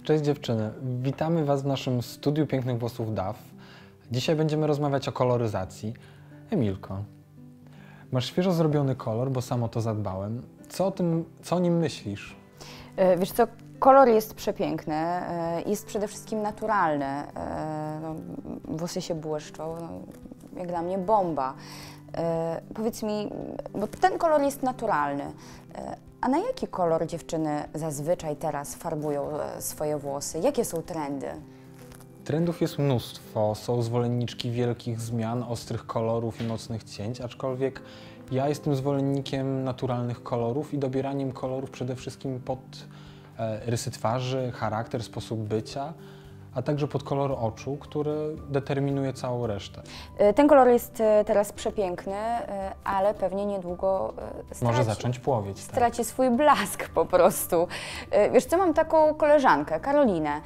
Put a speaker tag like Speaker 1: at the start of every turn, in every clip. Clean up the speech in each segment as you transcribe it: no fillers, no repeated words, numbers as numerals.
Speaker 1: Cześć dziewczyny, witamy Was w naszym studiu pięknych włosów DAF. Dzisiaj będziemy rozmawiać o koloryzacji. Emilko, masz świeżo zrobiony kolor, bo sam o to zadbałem. Co o nim myślisz?
Speaker 2: Wiesz co, kolor jest przepiękny, jest przede wszystkim naturalny. No, włosy się błyszczą, no, jak dla mnie bomba. Powiedz mi, bo ten kolor jest naturalny, a na jaki kolor dziewczyny zazwyczaj teraz farbują swoje włosy? Jakie są trendy?
Speaker 1: Trendów jest mnóstwo, są zwolenniczki wielkich zmian, ostrych kolorów i mocnych cięć, aczkolwiek ja jestem zwolennikiem naturalnych kolorów i dobieraniem kolorów przede wszystkim pod rysy twarzy, charakter, sposób bycia, a także pod kolor oczu, który determinuje całą resztę.
Speaker 2: Ten kolor jest teraz przepiękny, ale pewnie niedługo
Speaker 1: Może zacząć płowieć. Tak?
Speaker 2: Straci swój blask po prostu. Wiesz co, mam taką koleżankę, Karolinę.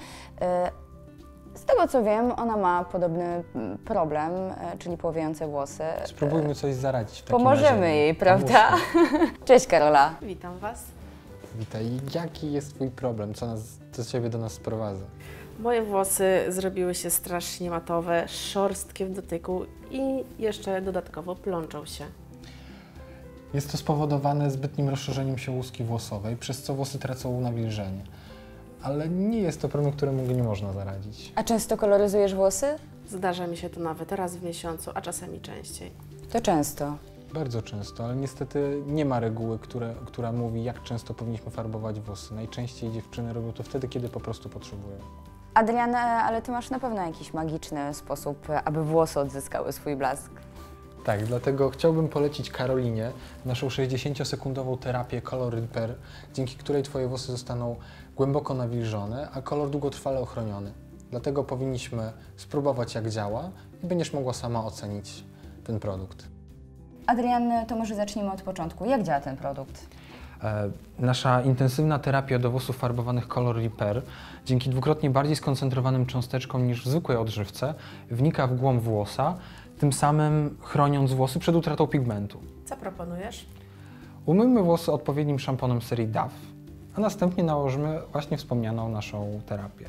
Speaker 2: Z tego co wiem, ona ma podobny problem, czyli płowiejące włosy.
Speaker 1: Spróbujmy coś zaradzić w takim
Speaker 2: Pomożemy
Speaker 1: razie.
Speaker 2: jej, prawda? Cześć Karola.
Speaker 3: Witam Was.
Speaker 1: Witaj. Jaki jest Twój problem? Co Ciebie do nas sprowadza?
Speaker 3: Moje włosy zrobiły się strasznie matowe, szorstkie w dotyku i jeszcze dodatkowo plączą się.
Speaker 1: Jest to spowodowane zbytnim rozszerzeniem się łuski włosowej, przez co włosy tracą nawilżenie. Ale nie jest to problem, któremu nie można zaradzić.
Speaker 2: A często koloryzujesz włosy?
Speaker 3: Zdarza mi się to nawet raz w miesiącu, a czasami częściej.
Speaker 2: To często.
Speaker 1: Bardzo często, ale niestety nie ma reguły, która mówi, jak często powinniśmy farbować włosy. Najczęściej dziewczyny robią to wtedy, kiedy po prostu potrzebują.
Speaker 2: Adrian, ale Ty masz na pewno jakiś magiczny sposób, aby włosy odzyskały swój blask.
Speaker 1: Tak, dlatego chciałbym polecić Karolinie naszą 60-sekundową terapię Color Repair, dzięki której Twoje włosy zostaną głęboko nawilżone, a kolor długotrwale ochroniony. Dlatego powinniśmy spróbować, jak działa i będziesz mogła sama ocenić ten produkt.
Speaker 2: Adrian, to może zacznijmy od początku. Jak działa ten produkt?
Speaker 1: Nasza intensywna terapia do włosów farbowanych Color Repair dzięki dwukrotnie bardziej skoncentrowanym cząsteczkom niż w zwykłej odżywce wnika w głąb włosa, tym samym chroniąc włosy przed utratą pigmentu.
Speaker 3: Co proponujesz?
Speaker 1: Umyjmy włosy odpowiednim szamponem serii DAF, a następnie nałożymy właśnie wspomnianą naszą terapię.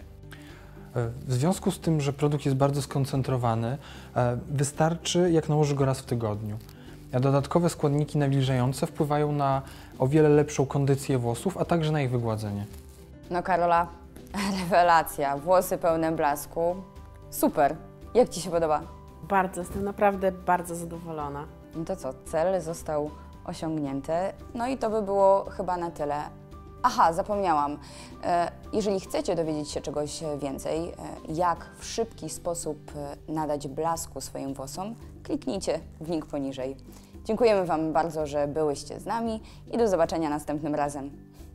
Speaker 1: W związku z tym, że produkt jest bardzo skoncentrowany, wystarczy, jak nałoży go raz w tygodniu. A dodatkowe składniki nawilżające wpływają na o wiele lepszą kondycję włosów, a także na ich wygładzenie.
Speaker 2: No Karola, rewelacja. Włosy pełne blasku. Super. Jak Ci się podoba?
Speaker 3: Bardzo, jestem naprawdę bardzo zadowolona.
Speaker 2: No to co, cel został osiągnięty. No i to by było chyba na tyle. Aha, zapomniałam. Jeżeli chcecie dowiedzieć się czegoś więcej, jak w szybki sposób nadać blasku swoim włosom, kliknijcie w link poniżej. Dziękujemy Wam bardzo, że byłyście z nami i do zobaczenia następnym razem.